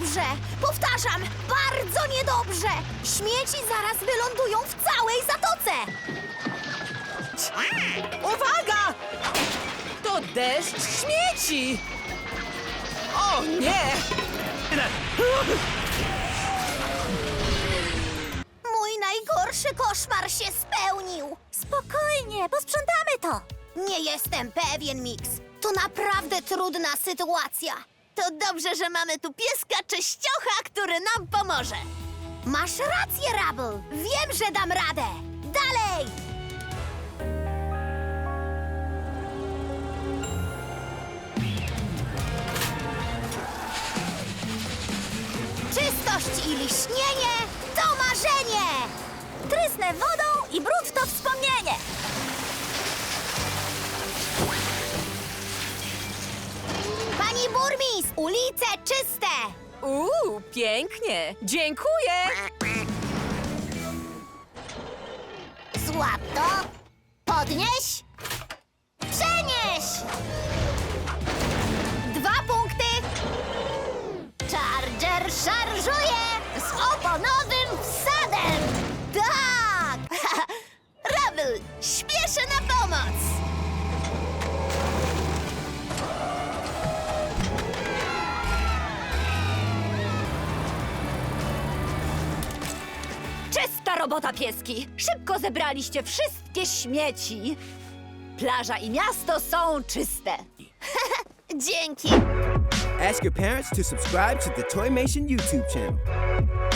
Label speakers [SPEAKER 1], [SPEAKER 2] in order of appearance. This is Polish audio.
[SPEAKER 1] niedobrze! Powtarzam, bardzo niedobrze! Śmieci zaraz wylądują w całej zatoce!
[SPEAKER 2] Uwaga! To deszcz śmieci! O nie!
[SPEAKER 1] Mój najgorszy koszmar się spełnił! Spokojnie, posprzątamy to! Nie jestem pewien, Mix. To naprawdę trudna sytuacja. To dobrze, że mamy tu pieska czyściocha, który nam pomoże. Masz rację, Rubble. Wiem, że dam radę. Dalej! Czystość i liśnienie to marzenie! Trysnę wodą i brud to wspomnienie! Pani burmistrz, ulice czyste!
[SPEAKER 2] Pięknie! Dziękuję!
[SPEAKER 1] Złap to, podnieś, przenieś! 2 punkty! Charger szarżuje z oponowym wsadem! Tak! Rubble, śpieszę na pomoc!
[SPEAKER 3] Czysta robota, pieski! Szybko zebraliście wszystkie śmieci. Plaża i miasto są czyste.
[SPEAKER 1] Dzięki!
[SPEAKER 4] Ask your parents to subscribe to the Toymation YouTube channel.